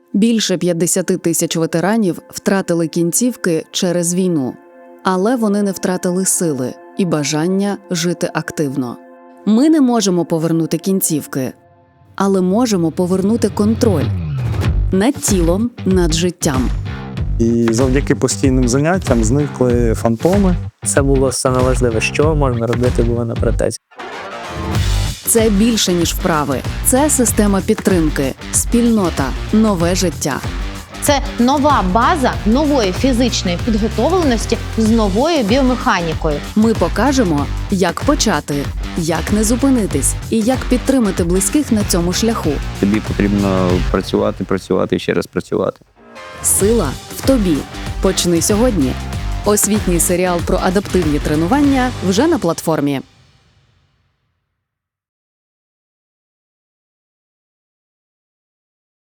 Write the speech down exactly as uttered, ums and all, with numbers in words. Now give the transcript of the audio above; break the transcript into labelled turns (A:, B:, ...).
A: Більше п'ятдесят тисяч ветеранів втратили кінцівки через війну. Але вони не втратили сили і бажання жити активно. Ми не можемо повернути кінцівки, але можемо повернути контроль над тілом, над життям.
B: І завдяки постійним заняттям зникли фантоми.
C: Це було саме важливе, що можна робити було на протезі.
A: Це більше, ніж вправи. Це система підтримки, спільнота, нове життя.
D: Це нова база нової фізичної підготовленості з новою біомеханікою.
A: Ми покажемо, як почати, як не зупинитись і як підтримати близьких на цьому шляху.
E: Тобі потрібно працювати, працювати і ще раз працювати.
A: Сила в тобі. Почни сьогодні. Освітній серіал про адаптивні тренування вже на платформі.